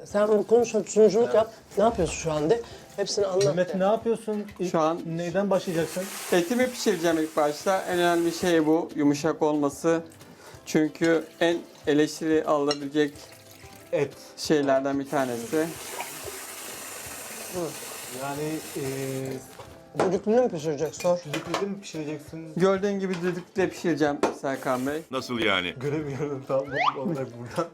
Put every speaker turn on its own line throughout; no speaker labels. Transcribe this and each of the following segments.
Sen bu konuşma sunuculuk yap. Ne yapıyorsun şu anda? Hepsini anlat.
Mehmet
de.
ne yapıyorsun?
Şu an
Neyden başlayacaksın?
etimi pişireceğim ilk başta. En önemli şey bu, yumuşak olması. Çünkü en eleştiri alınabilecek
Et.
şeylerden bir tanesi.
Yani
Düdüklünü mü pişirecek sor.
düdüklüde mi pişireceksin?
Gördüğün gibi düdükle pişireceğim Serkan Bey.
Nasıl yani?
Göremiyorum tam olarak buradan.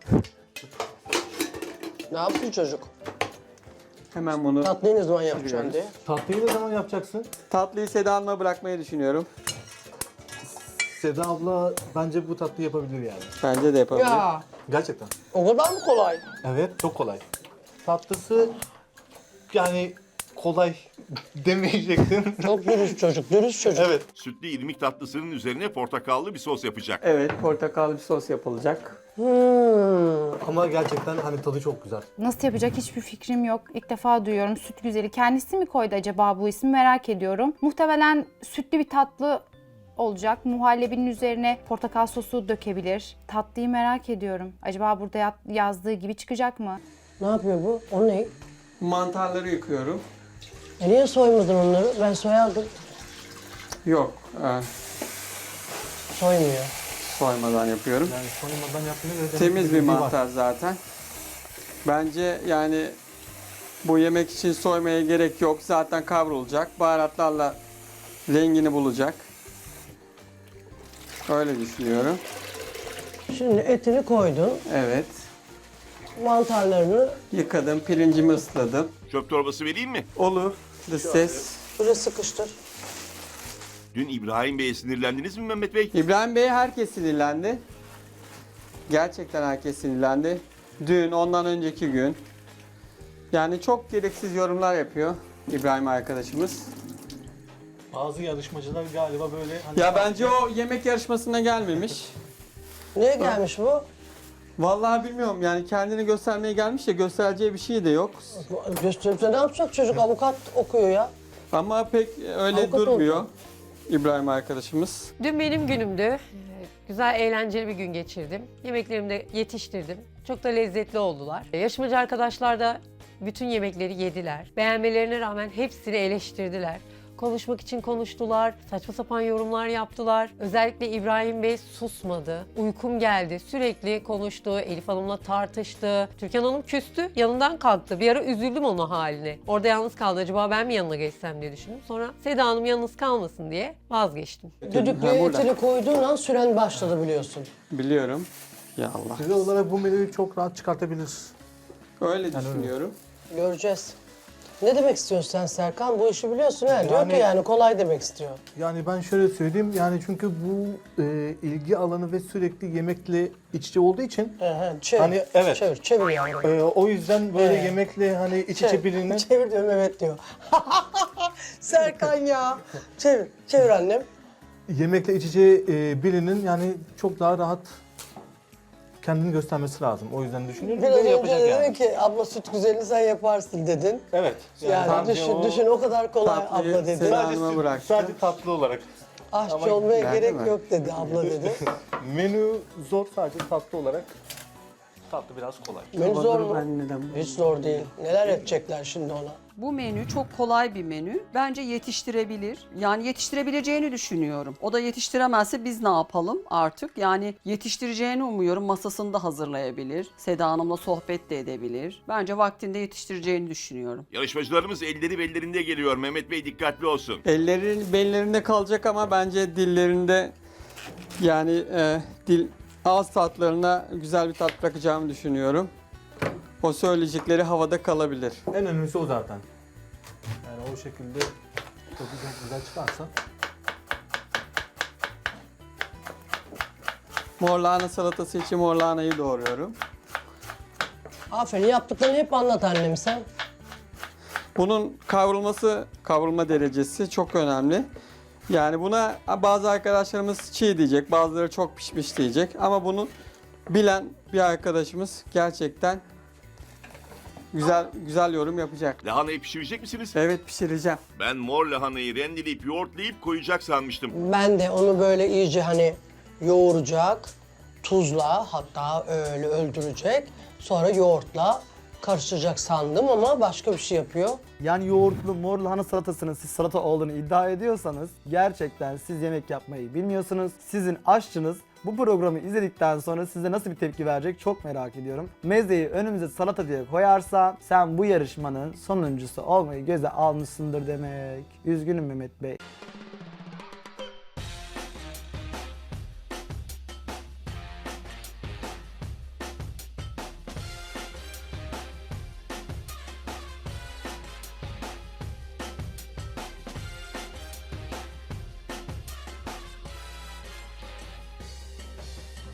Ne yaptı çocuk?
Hemen bunu
Tatlıyı ne zaman yapacaksın diye.
Tatlıyı ne zaman yapacaksın?
tatlıyı Seda Hanım'a bırakmayı düşünüyorum.
Seda abla bence bu tatlıyı yapabilir yani.
Bence de yapabilir.
Ya
Gerçekten.
o kadar mı kolay?
Evet, çok kolay. Tatlısı yani kolay demeyecektim.
Çok dürüst çocuk, dürüst çocuk.
Evet.
Sütlü irmik tatlısının üzerine portakallı bir sos yapacak.
Evet, portakallı bir sos yapılacak.
Ama gerçekten hani tadı çok güzel.
Nasıl yapacak hiçbir fikrim yok. İlk defa duyuyorum süt güzeli. Kendisi mi koydu acaba bu ismi merak ediyorum. Muhtemelen sütlü bir tatlı olacak. Muhallebinin üzerine portakal sosu dökebilir. Tatlıyı merak ediyorum. Acaba burada yazdığı gibi çıkacak mı?
Ne yapıyor bu? O ne?
Mantarları yıkıyorum.
Niye soymadın onları? Ben soyardım.
Yok,
Soymuyor.
soymadan yapıyorum.
Yani soymadan yaptığına göre
Temiz bir
var.
mantar zaten. Bence yani bu yemek için soymaya gerek yok. Zaten kavrulacak. Baharatlarla rengini bulacak. Öyle düşünüyorum.
Şimdi etini koydun,
Evet.
mantarlarını
Yıkadım, pirincimi ısladım.
Çöp torbası vereyim mi?
Olur. Dış ses.
buraya sıkıştır.
Dün İbrahim Bey'e sinirlendiniz mi Mehmet Bey?
İbrahim Bey herkes sinirlendi. Gerçekten herkes sinirlendi. Dün, ondan önceki gün. Yani çok gereksiz yorumlar yapıyor İbrahim arkadaşımız.
Bazı yarışmacılar galiba böyle hani
Ya bence o yemek yarışmasına gelmemiş.
Niye gelmiş bu?
Vallahi bilmiyorum yani kendini göstermeye gelmiş ya göstereceği bir şey de yok.
Gösterip de ne yapacak çocuk? Avukat okuyor ya.
Ama pek öyle
Avukat
durmuyor İbrahim arkadaşımız.
Dün benim günümdü. Güzel, eğlenceli bir gün geçirdim. Yemeklerimi de yetiştirdim. Çok da lezzetli oldular. Yarışmacı arkadaşlar da bütün yemekleri yediler. Beğenmelerine rağmen hepsini eleştirdiler. Konuşmak için konuştular, saçma sapan yorumlar yaptılar. Özellikle İbrahim Bey susmadı. Uykum geldi, sürekli konuştu, Elif Hanım'la tartıştı. Türkan Hanım küstü, yanından kalktı. Bir ara üzüldüm onun haline. Orada yalnız kaldı, acaba ben mi yanına geçsem diye düşündüm. Sonra Seda Hanım yalnız kalmasın diye vazgeçtim.
Düdüklüye
burada.
etini koyduğun an süren başladı biliyorsun.
Biliyorum. Ya Allah.
size olarak bu menüyü çok rahat çıkartabilir.
Öyle düşünüyorum.
Göreceğiz. Ne demek istiyorsun sen Serkan? Bu işi biliyorsun ha. Diyor
Yani-
ki yani kolay demek istiyor.
Yani ben şöyle söyleyeyim yani çünkü bu ilgi alanı ve sürekli yemekle iç içe olduğu için
Çevir.
Hani evet.
Çevir yavrum.
o yüzden böyle
Evet.
yemekle hani iç içe bilinen
Çevir diyorum evet diyor. Serkan ya. Çevir. Çevir annem.
yemekle iç içe birinin yani çok daha rahat kendini göstermesi lazım. O yüzden düşünüyorum.
Biraz
Böyle
önce
yapacak
dedin
yani.
ki abla süt güzelini sen yaparsın dedin.
Evet.
Yani
sadece
düşün o kadar kolay
Tatlıyı
abla dedi.
Seda Hanım'a bıraktı.
Sadece tatlı olarak.
Aşçı
Ama
olmaya
güzel
gerek
değil mi?
yok dedi abla dedi.
Menü zor sadece tatlı olarak. Tatlı biraz kolay.
Menü zor mu?
Ben neden
Hiç zor değil. Neler edecekler şimdi ona?
Bu menü çok kolay bir menü. Bence yetiştirebilir. Yani yetiştirebileceğini düşünüyorum. O da yetiştiremezse biz ne yapalım artık? Yani yetiştireceğini umuyorum. Masasını da hazırlayabilir. Seda Hanım'la sohbet de edebilir. Bence vaktinde yetiştireceğini düşünüyorum.
Yarışmacılarımız elleri bellerinde geliyor. Mehmet Bey dikkatli olsun.
Ellerin bellerinde kalacak ama bence dillerinde yani dil ağız tatlarına güzel bir tat bırakacağımı düşünüyorum. O söyleyecekleri havada kalabilir.
En önemlisi o zaten. Yani o şekilde tadı çok güzel çıkarsa.
Mor lahana salatası için mor lahanayı doğruyorum.
Aferin yaptıklarını hep anlat annem sen.
Bunun kavrulma derecesi çok önemli. Yani buna bazı arkadaşlarımız çiğ diyecek, bazıları çok pişmiş diyecek. Ama bunu bilen bir arkadaşımız gerçekten güzel yorum yapacak.
Lahanayı pişirecek misiniz?
Evet pişireceğim.
Ben mor lahanayı rendeleyip yoğurtlayıp koyacak sanmıştım.
Ben de onu böyle iyice hani yoğuracak, tuzla hatta öyle öldürecek. Sonra yoğurtla karıştıracak sandım ama başka bir şey yapıyor.
Yani yoğurtlu mor lahana salatasının siz salata olduğunu iddia ediyorsanız gerçekten siz yemek yapmayı bilmiyorsunuz. Sizin aşçınız bu programı izledikten sonra size nasıl bir tepki verecek çok merak ediyorum. Mezeyi önümüze salata diye koyarsa sen bu yarışmanın sonuncusu olmayı göze almışsındır demek. Üzgünüm Mehmet Bey.